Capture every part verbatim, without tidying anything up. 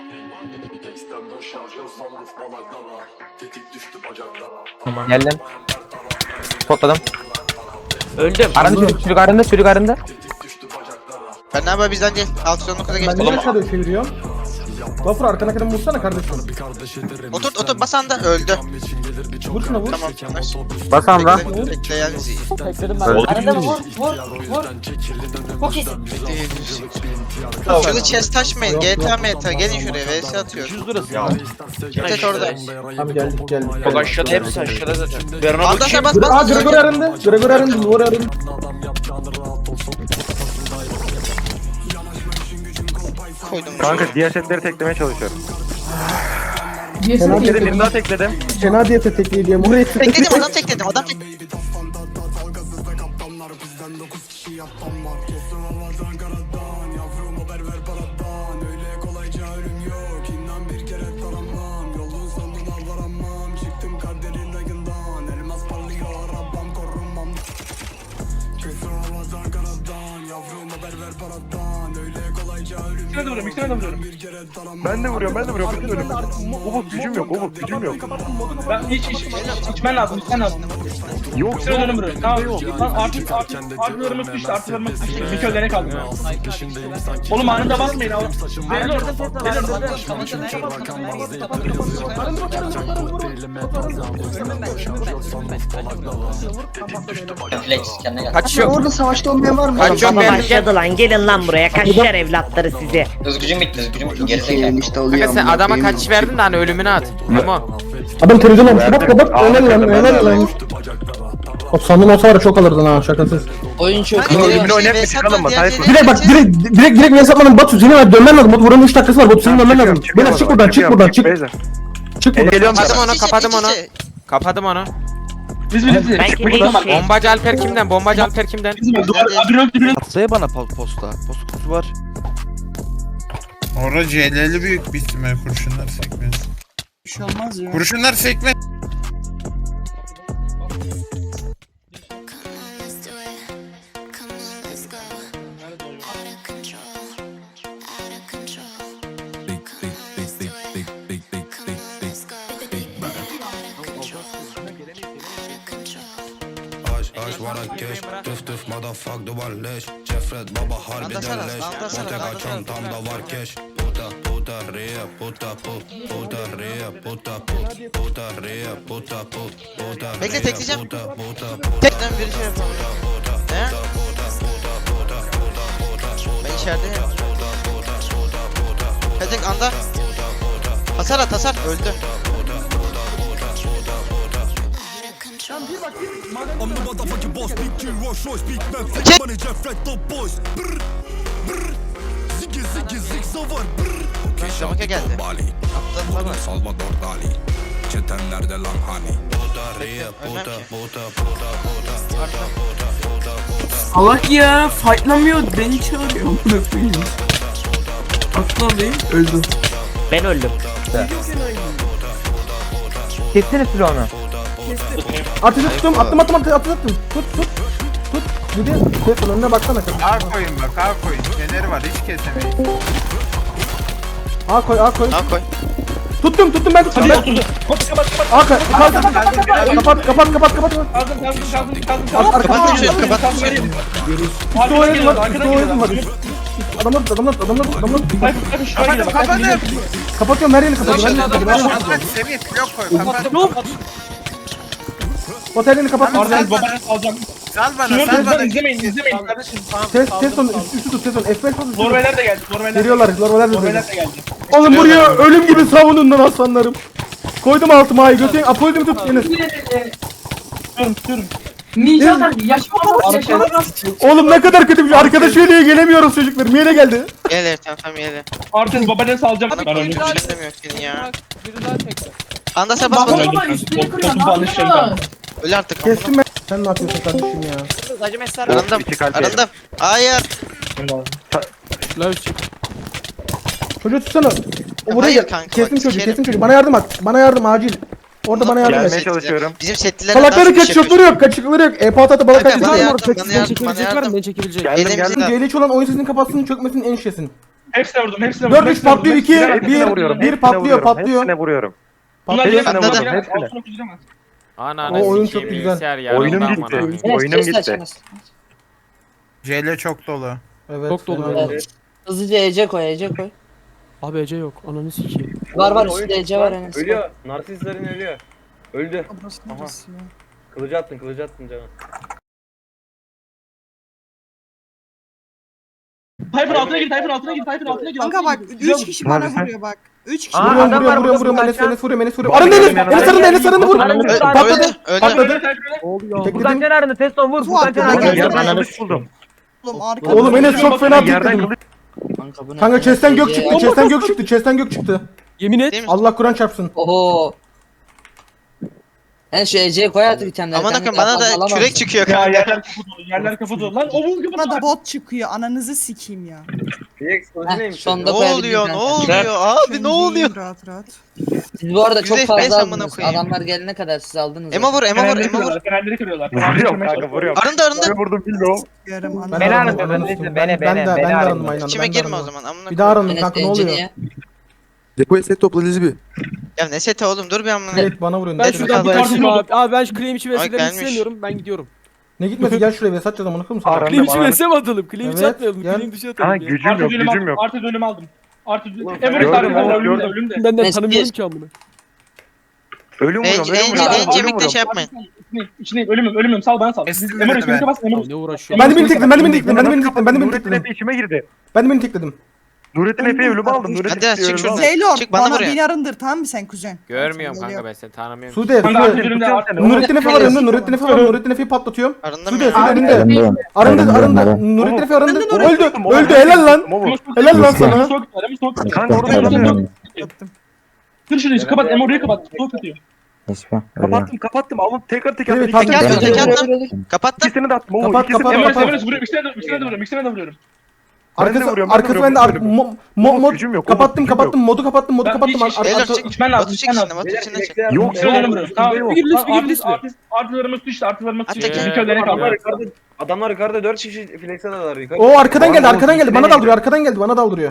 Tamam. Geldim. Spotladım. Öldüm. Aranda çocuk, çocuk arında, çocuk arında. Ben ne yapayım bizden değil. Alt sonu kuza Ben geçtim. niye aşağıda çeviriyorum? Vapur arkana kadar vursana kardeşim. Otur otur basan da öldü. Vur şuna vur. Tamam. Basan da. Bekle, bekle yani. Tekledim ben. Öldü. Arada vur vur vur. Çok iyisin. Şurada chest taşmayın. G T A meta gelin şuraya. V S atıyor. yüz lirası. Ya. Tet orada. Abi geldik geldik. Bak aşağıda hepsi aşağıda zaten. Ben ona Alda bakayım. bas Aa bas. Gregor arındı. Gregor arındı. Duvar arındı. Koydum. Kanka diğer setleri teklemeye çalışıyorum. Fena diye Bir daha tekledim. Fena diye tekliği diye. Burayı Tekledim adam tekledim adam tekledim. Ben de vuruyorum, ben de vuruyorum. Bütün ölüm. Umut gücüm yok, Umut gücüm yok. Ben hiç hiç içmen lazım, içmen lazım. Yok, Sıra dönüm buraya. Tamam. Lan artık artık artılarımız düştü, artılarımız düştü. Bir kölene kaldı. Oğlum anında basmayın. Verin orada, verin orada. Flex kendine gel. Kaçıyor. Orada savaşta olmayan var mı? Kaçıyor Baba ben. başladı lan, gelin lan buraya, kaçar evlatları sizi. Özgücüm bitti, özgücüm bitti. Gerizekalı. Kanka sen adama kaç verdin de hani ölümünü at. Memo. Adam televizyon olmuş. Bak bak bak. Helal lan helal lan. O sandım olsa var ya çok alırdın ha şakasız. Oyun çok Hadi ölümünü şey, oynayıp V bir S çıkalım mı? diğer Tayfun. diğerleri Direkt bak geçeceğiz. direkt direkt direkt hesaplanın. Batu senin var dönmen lazım. Batu vuranın üç dakikası var. Batu senin dönmen lazım. Beyler çık buradan çık buradan çık. Çık buradan. Geliyorum Kapadım sana. onu, İç içe, kapadım iç onu. içe. Kapadım onu. Biz biz biz. Ben Çık kimdeyim buradan. şey? Bombacı Alper kimden? Bombacı Alper kimden? Abi öldü bir. Atsaya bana posta. Posta kutusu var. Orada C L L'li büyük bir ihtimal kurşunlar sekme. Bir şey olmaz ya. Kurşunlar sekme. Anlasana, anlasana. Bekle tekleyeceğim. Tekten bir şey yapalım. He? Ben içerideyim. Tek anda. Hasar at hasar. Öldü. Şamaka geldi. Atladılar. Çetenlerde lan hani. Ölmem ki. Allah ya fightlamıyor, beni çağırıyor. Atla değil, öldü. Ben öldüm. Kessene silah onu. Ateşe tuttum. Attım attım attım attım. Tut tut. Tut. Bir de Stefan önüne baksana. A koyun bak A koyun. Feneri var hiç kesemeyiz. A koy A koy. Al koy. Tuttum tuttum ben tuttum. Hadi Ben- oturdu. Kapat kapat kapat. A koy. Kapat kapat kapat kapat. Kaldım kaldım kaldım kaldım Ar- kaldım. arkadan Kapat geliyor. şunu kapat şunu. Üstü oynadım var. Üstü oynadım var. Adamlar adamlar adamlar adamlar. Kapadım kapadım. Kapatıyorum her yerini kapatıyorum. Her yerini kapatıyorum. Kapat Semih blok koy kapat. Bot her yerini kapat. Arda'nın babanı alacağım. Sal bana Şunu sal bana. izlemeyin izlemeyin kardeşim. Ses ses son üstü tut ses son. F beş tut. Norveler de geldi. Norveler. Geliyorlar. Norveler de Norveler geliyor. de geldi. Oğlum buraya ölüm gibi savunun lan aslanlarım. Koydum altıma ayı götürün. Apoydum tut Enes. Durun durun. Ninja Oğlum ne kadar kötü bir şey. Arkadaş diye gelemiyoruz çocuklar. Niye geldi? Gel evet tamam tamam gel. Artık babanı salacağım. Ben öldüm. Düşünemiyor senin ya. Anda sen bas bas. Koltuğum falan düşeceğim ben. Öl artık. Kestim ben. Sen ne yapıyorsun kardeşim ya? Arındım. Arındım. Hayır. Çocuğu tutsana. O buraya Hayır gel. kanka, Kestim bak, çocuğu, sikerim. kestim çocuğu. Bana yardım et. Bana yardım acil. Orada bana yardım Gelmeye et. çalışıyorum. Bizim setliler Salakları kaç çöpleri yok, kaçıkları yok. E patata balık Kanka, bana kaçıkları var. yardım, bana Kaçıkları yardım, çekilecek bana var mı? yardım. Beni çekebilecek. Geldim Elimizde- geldim. C L H olan oyun sesinin kapatsın çökmesin en şişesin. Hepsine vurdum, hepsine vurdum. dört üç hepsine vurdum, patlıyor, iki, hepsine vurdum. Hepsine bir, vuruyorum, bir hepsine patlıyor, vuruyorum, patlıyor. Hepsine vuruyorum. Bunlar Patlıyor. yine Hepsine Atladı. vurdum, Altına hepsine. okuyacağım. Ananı O oyun sikeyim, çok güzel. bilgisayar yanımda Oyunum amına gitti. koyayım. Oyunum gitti. C L çok dolu. Evet. Çok dolu fena böyle. oldu. Hızlıca Ece koy, Ece koy. Abi Ece yok. Ananı sikeyim. Var var üstte Ece var Enes. Ölüyor. Narsistlerin ölüyor. Öldü. Aha. Kılıcı attın kılıcı attın canım. Tayfun altına gir, Tayfun altına gir, Tayfun altına gir. Kanka bak üç kişi bana vuruyor bak. üç kişi. Vuruyorum, adam var vuruyorum, burada, vuruyorum, Enes, Furkan. Enes vuruyorum, Enes vuruyorum. Arındı Enes, Enes arındı, Enes arındı, vur. Öldü, Patladı, öldü. patladı. Oluyor. Tekledim. arını teston vur. Fuat Oğlum, Fuat yerden kılıç buldum. Oğlum arka. Oğlum Enes çok fena Yerden tekledim. kılıç. Kanka bu ne? Kanka chest'ten gök Ece- çıktı, chest'ten gök çıktı, chest'ten gök çıktı. Yemin et. Değil mi? Allah Kur'an çarpsın. Oho. Enes şu Ece'ye koy artık itemleri. Aman kanka, akım bana daha fazla da alamam. kürek çıkıyor Ya kanka. yerler kapı dolu, yerler kapı dolu. Lan o vurdu Bana da bot çıkıyor. Ananızı sikeyim ya. Felix kılıcı Heh, neymiş? sonunda Ne koyabildim oluyor, ne kanka. oluyor abi ne oluyor? Rahat rahat. Siz bu arada çok Yüzde F P S fazla amına aldınız. koyayım. Adamlar gelene kadar siz aldınız. Ema vur, Ema vur, Fenerleri Ema vur. kırıyorlar, fenerleri kırıyorlar. fenerleri Vuruyorum kırmaya kanka, çalışıyorlar. vuruyorum. Arındı arındı. Ne vurdum bilmiyorum. Yarım Ben ananı. de Beni arandım, arındı, ben ben de- değildim, ben beni, ben de, beni, ben de beni arandım arındı. aynı anda. İçime ben de girme o arandım. zaman amına Bir daha koyayım. arandım Enes kanka, ne Ece oluyor? niye? Depoya set topla Lizbi. Ya ne seti oğlum dur bir amına. Evet, bana vuruyorsun. Ben Evet, şuradan bir kaldı. kartım abi. Abi ben şu claim içi Ay, vesile gelmiş. istemiyorum. Ben gidiyorum. Ne gitmesi, gel şuraya, Vesat yazalım, onu kılım sana. Arandım, Claim içi arandım. vesile mi atalım? Claim içi Evet, atmayalım. gel. Claim dışı Ha atalım ya. gücüm Artı yok, dönüm gücüm aldım, yok. artı dönüm aldım. Artı dönüm. Gördüm, Emre oğlum, sardı, ölümde, gördüm. ölümde. Benden Enes tanımıyorum bir- ki amına. Ölüm En, vuruyorum, ölüm en, vuruyorum. en ölüm cemikle vuruyorum. şey yapmayın. İçindeyim, içindeyim, ölümüm, ölümüm, sal bana sal. Kestim Emre beni üstüne ben. bas, Emre. Abi ne uğraşıyor? Ben de beni tekledim, ben de beni tekledim, ben de beni tekledim, ben de beni Nurettin tekledim. Efe içime girdi. Ben de beni tekledim. Nurettin Efe'yi ölüme aldım. Nurettin Hadi, Efe'yi çık ölüme şuradan. aldım. Zeylor Çık, bana bana buraya. beni arındır tamam mı sen kuzen? Görmüyorum Sen kanka ben seni tanımıyorum. Sude, Kanka artı Sude. dönümde, artı Nurettin Efe var önünde, Nurettin Efe var, Nurettin Efe'yi patlatıyorum. Arındım Sude, ya. Sude önünde. Arındı, arındı. Nurettin Efe arındı. Arındı, Öldü, öldü, helal lan. Momo. Helal lan sana. Soğuk tutar, Emre soğuk tutar. Kanka orada duramıyorum. Kır şurayı, kapat, Emre orayı kapat. Soğuk atıyor. Kapattım, kapattım. Alın tekrar tekrar. Evet, iki- patladı. Tek attım, Ben- tek attım. Kapattım. İkisini de attım. Momo, Kapat, ikisini de kapat, Emre, attım. kapat. Emre vuruyor, ikisine de, ikisine de vuruyorum, ikisine de vuruyorum. Ben de Arkası, vuruyorum, ben de arkası vuruyorum, bende. ben de Ar- vuruyorum. mo, mo, mod, gücüm yok, kapattım, gücüm kapattım, modu kapattım, modu Ben kapattım. hiç- Ar- hiç- ar- Beyler ar- çık. İçmen lazım, Batu çık içmen içinden, lazım. Batu içinden çık. Yok, İkisine de yok. vuruyorum. Tamam, Yok. Bir lütfen, bir Artist, lütfen. artist, artılarımız düştü, artılarımız Hatta düştü. gel. Miköllerine Adamlar kaldı. yukarıda, adamlar yukarıda dört kişi flex'e dalar yukarı. O arkadan geldi, Oğlum, arkadan geldi. Bana ikisine daldırıyor, arkadan geldi, bana daldırıyor.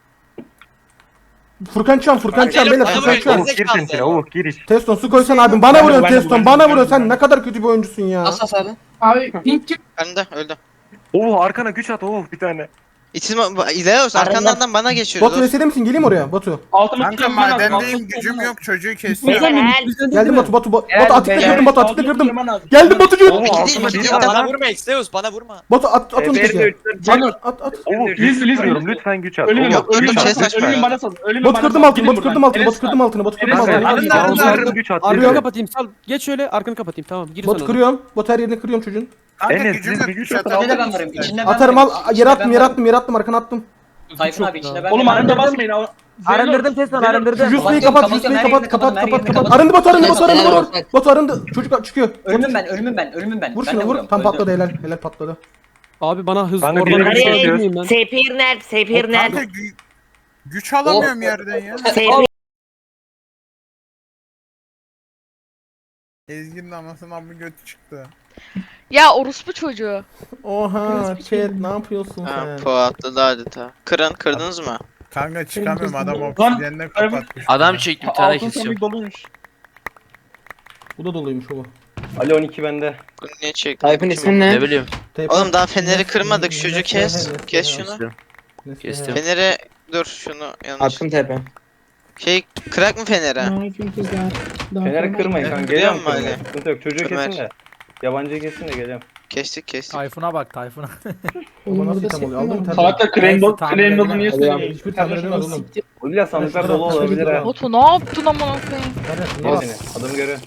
Furkan Çan, Furkan Çan, beyler, Furkan Çan. Oğuz gir sen içine. Oğuz gir iç. Teston su koysan abim. Bana vuruyorsun Teston, bana vuruyorsun. Sen ne kadar kötü bir oyuncusun ya. Asas abi. Arındı, öldü. Oğuz arkana güç at Oğuz bir tane. İçime, İleos arkandan bana geçiyor. Batu vesile misin? Geleyim oraya Batu. Altımız Kanka tutmam lazım, madendeyim altımız gücüm tutmam yok çocuğu kesiyor. Helal. Geldim Batu, Batu, Batu. Gel Batu atıkta beyler. kırdım, Batu atıkta kırdım. Geldim Batucuğum. Oğuz Gideyim, altına biri gideyim. var lan. vurma Exeus bana vurma. Batu at, at onu F R'de teke. üçler At, at, at. Oğuz Liz, güç Liz, tutuyorum. Liz. Lütfen güç at. Ölümüm Oğuz, yok, Yok, ölümüm yok, bana şey sal, saçma ölümüm ya. bana sal, ölümüm Batu bana kırdım sal. altını, Gidin Batu kırdım buradan. altını, Batu Enes kırdım sal. altını, Batu kırdım Enes sal. altını. Arındı, Kanka, arındı, Oğuz arındı. güç at. Arkını Yürü. kapatayım sal. Geç şöyle arkanı kapatayım tamam. Gir Batu sana. kırıyorum. Batu her yerini kırıyorum çocuğun. Kanka Enes, gücüm biz yok bir güç güç at. atalım. İçinde ben varım. İçinde ben Atarım varım. al. Yere attım, yere attım, yere attım, arkana attım. Tayfun abi içinde ben Oğlum varım. arında basmayın. Arındırdım Teston arındırdım. Jusli'yi Kapatıyorum, kapat, Jusli'yi kapatıyorum, kapat, kapat, her yerini kapat, kapat. kapatıyorum. Arındı Batu, arındı Batu, arındı Helal Batu. olsun. Batu arındı. Çocuk çıkıyor. Ölümüm ben, ölümüm ben, ölümüm ben. Vur Ben şunu, de vur. vuruyorum, Tam öldüm. patladı, helal, helal patladı. Abi bana hız Kanka, oradan bilerek bir şey yapıyoruz. yapmayayım ben. Sepir nerede? Sepir Kanka nerede? gü- güç alamıyorum yerden ya. Sepir. Ezgi'nin anasının amı götü çıktı. Ya orospu çocuğu. Oha, chat ne yapıyorsun Ha, sen? po atladı adeta. Kırın, kırdınız mı? Kanka çıkamıyorum adam Lan, obsidiyenle kapatmış. Adam çektim bir tane Altın kesiyorum. sandık doluymuş. Bu da doluymuş o. Ali on iki bende. Bunu niye çektin? Tayfun Kim ismin o? ne? Ne bileyim. Oğlum daha feneri kırmadık. Şu çocuğu kes. Kes şunu. Kestim. Feneri dur şunu yanlış. Attım tepe. Şey kırak mı feneri? Feneri kırmayın kanka. Biliyor Geliyorum musun kırmaya. Ali? Sıkıntı yok. Çocuğu Ömer. kesin de. Yabancıyı kesin de geliyorum. Kestik kestik. Tayfun'a bak Tayfun'a. Baba nasıl item oluyor? Aldım tabii. Salaklar claim dolu, Tamam, claim dolu tamam. niye söylüyorsun? Hiçbir tamir edemez oğlum. O bile sandıklar dolu olabilir ha. Batu ne yaptın amına koyayım? Al seni. Adamı görüyorum.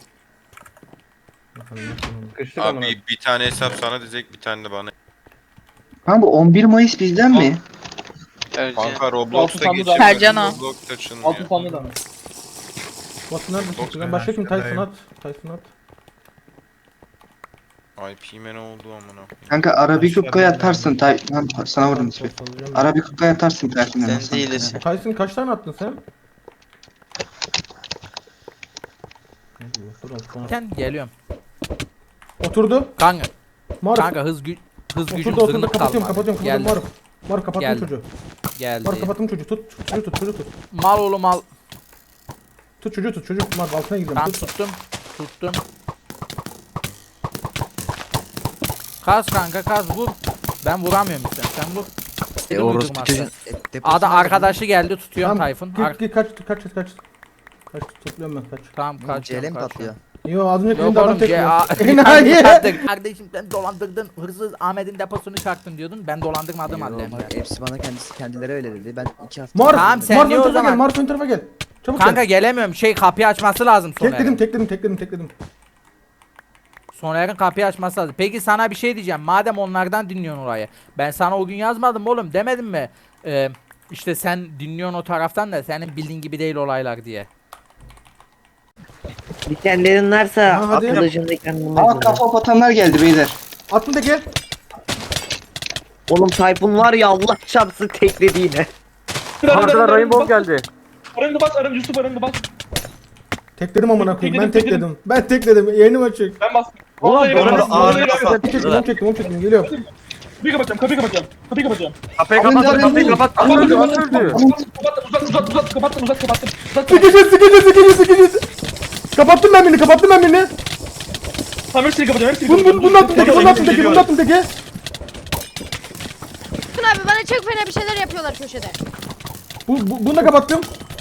Sıkıştık amına. Abi bir tane hesap sana diyecek bir tane de bana. Ha bu on bir Mayıs bizden mi? Ercan. Kanka Altı Roblox'ta sandı geçiyor. da- Sercan o. Roblox açılmıyor. Altın sandığı da mı? Batu neredesin? Ben başka kim? Tyson at. Tyson at. I P'me ne oldu amına. Kanka Arabikuka'ya atarsın Tay... Lan sana vurdum ismi. Arabikuka'ya atarsın Tayfun'a. Sen değilsin. Tyson kaç tane attın sen? Geliyorum. Oturdu. Kanka, Maruf. hız gü hız Oturdu oturdu kapatıyorum kapatıyorum kapatıyorum Maruf. Maruf kapattım Geldim. çocuğu. Geldi. Mar kapattım çocuğu tut. Çocuğu tut çocuğu tut. Mal oğlum mal. Tut çocuğu tut çocuk. Mar altına gidiyorum Tamam tut. tuttum. Tuttum. Kas kanka kas vur. Ben vuramıyorum işte. Sen vur. E, Dedim orospu uydurma çocuğun, sen. e, deposu Ada nerede? arkadaşı geldi tutuyorum Tayfun. Ar- Git git kaç kaç kaç kaç. Kaç topluyorum ben kaç. tamam Bu kaç. C L mi patlıyor? Yo az önce Yok elinde adam oğlum tek ya. var. Enayi. Enayi. Kardeşim sen dolandırdın. Hırsız Ahmet'in deposunu çaktın diyordun. Ben dolandırmadım Yo, halde. bak, hepsi bana kendisi kendileri öyle dedi. Ben iki hafta... Mar Tamam, sen Mar niye ön o tarafa zaman- gel. Mar ön tarafa gel. Çabuk Kanka gel. gelemiyorum. Şey kapıyı açması lazım Soner'in. Tekledim tekledim tekledim tekledim. Soner'in kapıyı açması lazım. Peki sana bir şey diyeceğim. Madem onlardan dinliyorsun orayı. Ben sana o gün yazmadım oğlum. Demedim mi? Ee, işte sen dinliyorsun o taraftan da senin bildiğin gibi değil olaylar diye. Dikenlerin varsa Ha, hadi. kılıcın dikenlerini Aa kullan. kafa patanlar geldi beyler. Attım teke. Oğlum Tayfun var ya Allah çarpsın tekledi yine. Arkadan Rainbow geldi. Arındı bas, arındı Yusuf arındı bas. Tekledim amına koyayım. Ben Tekledim, tekledim. Ben tekledim. Yayınım açık. Ben bastım. Oğlum, Vallahi doğru, ben bastım. ağır Vallahi ben kafa. bastım. Çektim onu çektim onu çektim. Geliyorum. Kapıyı kapatacağım, kapıyı kapatacağım. Kapıyı kapatacağım. Kapıyı Alın, kapat, alın, kapıyı alın. kapat. Kapattım, Öldü, kapattım, öldü. kapattım, uzat, uzat, uzat, kapattım, uzat, kapattım. Uzat, kapattım. Sıkıcı sıkıcı sıkıcı sıkıcı. Kapattım ben birini kapattım ben birini. Tamam hepsini kapatacağım, hepsini Bunu kapatacağım. bunu bunu attım teke bunu attım teke bunu attım teke. Abi bana çok fena bir şeyler yapıyorlar köşede. Bu, bu bunu da kapattım.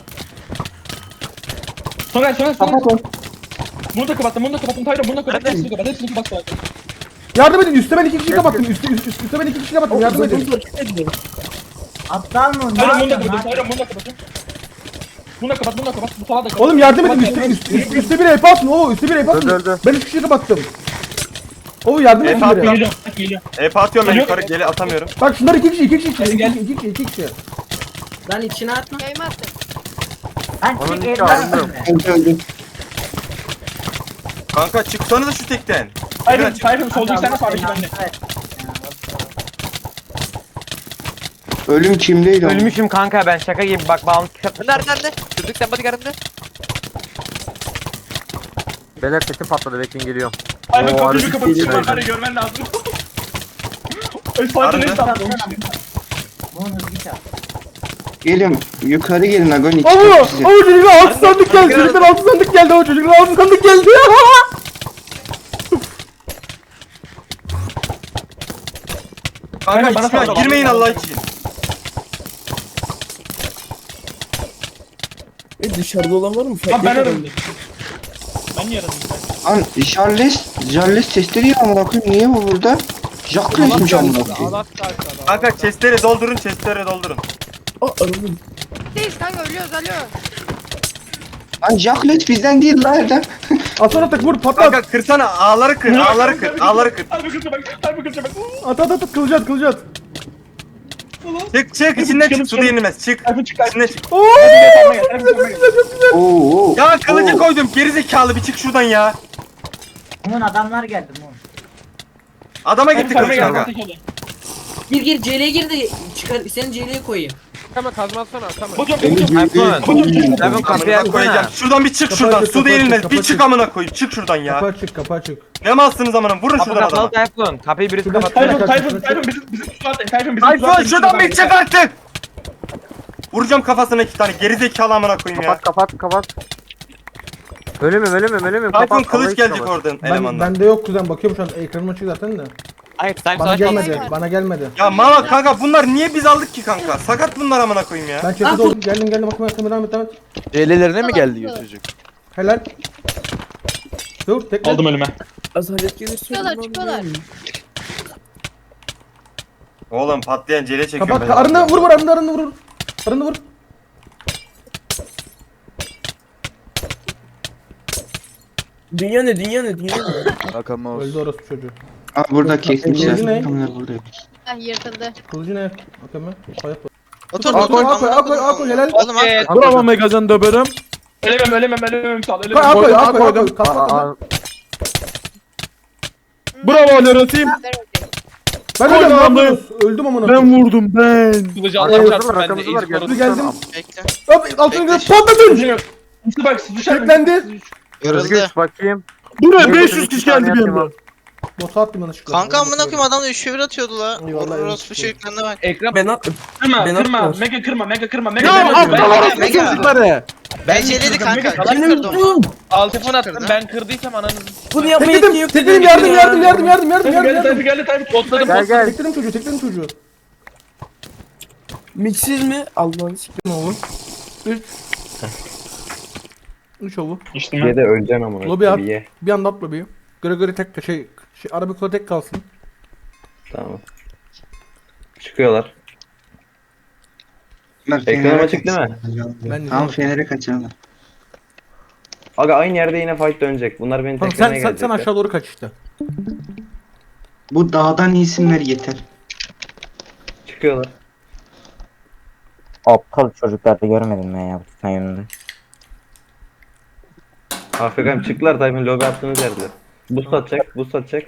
Sonra, sonra, sonra. Kapat onu. Bunu da kapattım, bunu da kapattım. Tayro, bunu da kapattım. Hepsini kapat, hepsini kapat. Yardım edin üstte ben iki kişi kapattım. Üstte üst, üstte ben iki kişi kapattım. Yardım edin. Aptal mı? Tayro, bunu da kapattım, Tayro, bunu da kapattım. Bunu da kapat, bunu da kapat. Bu salağı da kapat. Oğlum yardım edin Kapat, üstte kapat. üstte üstte, üstte bir hep atın. Oo üstte bir hep atın. Öldü, öldü. Ben üç kişi kapattım. Oo yardım edin biri. Geliyorum, geliyorum. Ep atıyorum ben Geliyor. yukarı geri atamıyorum. Bak şunlar iki kişi iki kişi iki kişi Gel, iki kişi iki kişi. Lan içine atma. Yayma attım. Ben Onun tek içi evladım alındı. ben. Öldü öldü. Kanka çıksanıza şu tekten. Tayro, Tayro, soldaki sen de sağdaki bende. Ölüm kimdeydi? ama? Ölmüşüm kanka ben şaka gibi bak bağımlı Nerede nerede? Çocuk sen bodyguard'ında. Beyler sesim patladı bekleyin geliyorum. Tayro, Oo, kapıyı arası bir kapatayım. geliyor. Tayro, görmen lazım. Ay, sadece ne Arada. sandın? Bunu hızlı çal. Geliyorum. Yukarı gelin Agoni. Oo çıkarım sizi. oo çocuklar altı sandık geldi. Çocuklar altı sandık geldi. O çocuklar altı sandık geldi. Kanka Aynen, bana içine sal. girmeyin Allah için. Dışarıda olan var mı? Lan ben aradım. Ben niye aradım? Lan Charles, Charles testleri ya amına koyayım. Niye bu burada? Jacques'miş amına koyayım. Kanka chestleri doldurun, chestleri doldurun. Değil kanka ölüyoruz alo. Lan Jacques bizden değil lan Erdem. Aslan atak vur patlat. Kanka kırsana, ağları kır, ağları kır, ağları kır. Harbi kırca bak, harbi kırca bak. At at at kılıcı at kılıcı at. Çık çık içinden çık, su değilmez, çık. Harbi çık, İçinden çık. Oo harbi çık. Oo. oo. Ya kılıcı Oo. koydum, gerizekalı bir çık şuradan ya. Bunun adamlar geldi bu. Adama gitti Harbi kılıç gel, kanka. harbi gel. Gir gir C L'ye gir de çıkar seni C L'ye koyayım. Hemen kazma atsana tamam. Hocam, Beni hocam. büyüdü. Hemen kapıyı Amına koyacağım. açsana. Şuradan bir çık Kapı şuradan, açık, su kapı değilmez. açık, kapı Bir çık açık. amına koyayım, çık şuradan kapı ya. açık kapı açık. Ne malsınız amına, vurun Kapı şuradan adama. kapalı Tayfun. Kapıyı birisi Şuradan- kapat. Tayfun, Kaç, Tayfun, kaç, Tayfun bizim bizim tuzağa atın. Tayfun bizim tuzağa Tayfun atın. şuradan bir çık artık. Vuracağım kafasına iki tane, gerizekalı amına koyayım ya. kapat kapat. Ölümüm ölümüm ölümüm Tayfun kapat. kılıç gelecek oradan Ben, elemandan. bende yok kuzen bakıyorum şu an ekranım açık zaten de. Hayır sen Bana savaş gelmedi Hayır. bana gelmedi. Ya mama kanka bunlar niye biz aldık ki kanka? Sakat bunlar amına koyayım ya. Ben chat'e doğru geldim geldim bakmaya yakın devam et devam et. Celelerine mi geldi çocuk? Helal. Dur tekrar. Aldım önüme. Çıkıyorlar çıkıyorlar. Oğlum patlayan cele çekiyorum Kapat ben. ka- arında vur vur arında arında vur. Arında vur. Dünya ne dünya ne dünya ne? Bakalım Öldü orası çocuğu. Aa burada kesmişler. Kılıcı ne? Bunlar burada. Heh yırtıldı. Kılıcı ne? Bakın mı? Ayak Otur, Akoy otur. akoy akoy akoy helal. Oğlum at. Bravo Megazan döberim. Elemem, elemem, elemem sağ ol. Akoy Elemem. akoy akoy akoy. Kalk kalk kalk. Bravo Lerotim. Ver orayı. Ben öldüm ne yapıyorsunuz? Öldüm amına. Ben vurdum ben. Kılıcı Evet, alacağım çarpsın ben de. rakamımız var, iyi spor olsun. geldim. Bekle. Hop altına Bekle. gidip patladın. Kılıcı yok. Yusuf bak, sıçar. Teklendi. Kırıldı. bakayım. Buraya beş yüz kişi geldi bir anda. Botu attım yanlışlıkla. Kanka amına koyayım adam da üç bir atıyordu la. Eyvallah, Orospu eyvallah. çocuklarına bak. Ekran Ben at. kırma Ben kırma atmıyorum. mega kırma mega kırma mega Ya kırma. aptal Ben- orospu Mega. çocukları. Ben şeyledi kanka. Kim Benim kırdı onu? Alt Telefon attım, ben kırdıysam ananızı. Bunu yapmaya Tekledim, yetkin yok. tekledim yardım yardım yardım yardım yardım Geldi yardım Tayfun yardım. geldi Tayfun. Otladım. Gel gel. Tekledim çocuğu tekledim çocuğu. Miksiz mi? Allah'ını sikeyim. Ne olur? üç. üç ovu. İşte ben. de öleceksin amına. Lobi at. Ye. Bir anda at lobiyi. Göre göre tek şey, şey Arabikola tek kalsın. Tamam. Çıkıyorlar. Bunlar Ekran Fener'e açık değil mi? kaçırıyorlar. Ben de Tamam diyorum. Fener'e kaçırıyorlar. Aga aynı yerde yine fight dönecek. Bunlar beni Tamam teklemeye sen, sen, sen gelecekler. aşağı doğru kaç işte. Bu dağdan isimler yeter. Çıkıyorlar. Aptal çocukları görmedim ben ya bu tutan yönünde. Afrika'm çıktılar Tayfun lobi attığınız yerde. Boost atacak, boost atacak.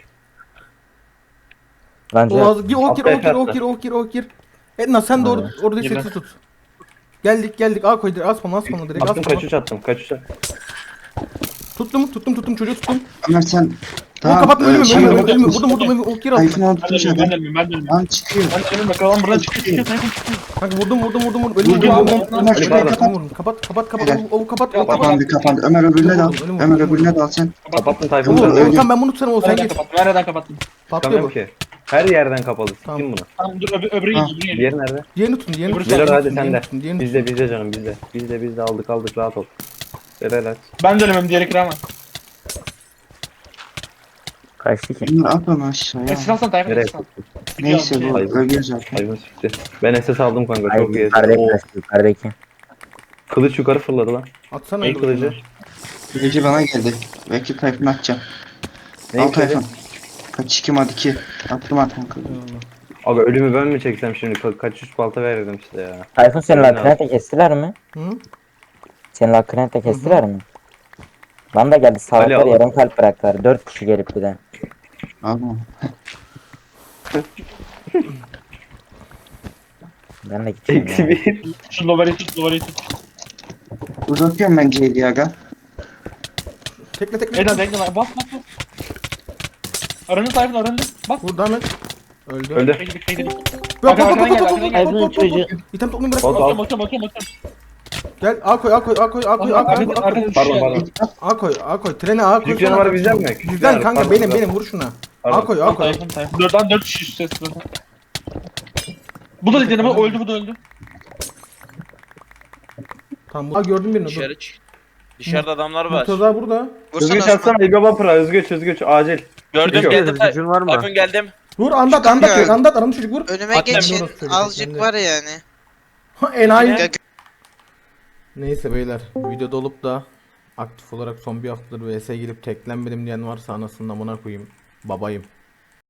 Bence O az gir o gir o gir o Atla, gir o gir o gir. Edna sen de or orada Girme. sesi tut. Geldik geldik A koy direkt asma asma direkt Attım asma. kaç üç attım, kaç üç attım. Tuttum tuttum tuttum çocuğu tuttum. Ömer sen... Tamam, kapatma e, ölümü şey ölümü yok. ölümü vurdum vurdum ölümü o gir Tayfun altına. onu Ben tutmuş dönüyorum ben adam. dönüyorum ben dönüyorum. Lan çıkıyor. Ben dönüyorum bakalım buradan çıkıyor çıkıyor Tayfun çıkıyor. Kanka vurdum vurdum vurdum vurdum ölümü Vurdum, vurdum vurdum, vurdum. vurdum. Ölümü Şurayı vurdum, kapat. vurdum. Kapat kapat kapat Evet. o kapat o kapat. Kapandı kapandı. Ömer öbürüne dal. Ölüm, ölüm, Ömer ölüm. öbürüne dal sen. Kapattım Tayfun. Oğlum öyle. Volkan ben bunu tutarım o sen Nereden git. kapattım? Nereden kapattım? Patlıyor Tutamıyorum bu. ki. Her yerden kapalı. Tamam. Siktim bunu. Tamam dur öbür, öbürü Ha. geliyor. öbürü geliyor. Diğeri nerede? Diğerini tutun diğerini tutun. Geliyor hadi diğerini sen de. tutun, diğerini tutun. Bizde bizde canım bizde. Bizde bizde aldık aldık rahat ol. Helal. Ben dönüyorum diğeri kıra ama. kaçtı ki. Ömer at onu aşağıya. Esir alsana Tayfun Nereye? esir al. Neyse bu Hayır. ölüyor zaten. Hayvan sikti. Ben S S aldım kanka Ay çok iyi. yukarıdaki Oo, kaçtı yukarıdaki. kılıç yukarı fırladı lan. Atsana Ne öyle kılıcı? kılıcı. Kılıcı bana geldi. Belki Tayfun atacağım. Ne Al kılıcı? Tayfun. Kaç iki mat iki. Attım attım kılıcı. Aga ölümü ben mi çeksem şimdi? Ka- kaç üç balta verirdim size ya. Tayfun senin Aynen. lakrinete kestiler mi? Hı? Senin lakrinete kestiler mi? Lan da geldi Ali sağlıklar al. yarım kalp bıraktılar. Dört kişi gelip bir de. Al bunu. Ben de gideceğim Eksi ya. bir. Şu lovarı tut lovarı tut. Uzatıyorum ben C'yi aga. Tekle tekle. Eden bekle lan bas bas bas. Arındı Tayfun arındı. Bas. Vur devam et. Öldü. Öldü. Bekle bekle bekle. Yok yok yok Arkadan yok gel, yok arkadan yok gel. yok yok yok yok. İtem toplayın bırak. Bot al. Bakıyorum bakıyorum bakıyorum bakıyorum. Gel A koy A koy A koy A koy A koy A koy A koy. Pardon pardon. A koy A koy. Trene A koy. Küçük canavarı bizden mi? Küçük Bizden canavar, kanka pardon, benim pardon. benim vur şuna. A Pardon. koy A koy. Tayfun Tayfun. Dörtten dört kişi üst ses. Bu da dedi ama öldü bu da öldü. Tamam bu. Aa gördüm birini dur. Dışarı çık. Dışarıda adamlar var. Murtaza burada. Özgüç Vursana atsana İlbe Vapur'a. Özgüç Özgüç acil. Gördüm Yok. geldim. Tay- Gücün var mı? Tayfun geldim. Vur andat andat andat andat aranı çocuk vur. Önüme Atla, geçin. doğru söylüyorsun, Azıcık ben de. var yani. Ha enayi. Ya, Neyse beyler videoda olup da aktif olarak son bir haftadır V S'ye girip teklenmedim diyen varsa anasının amına koyayım. Babayım.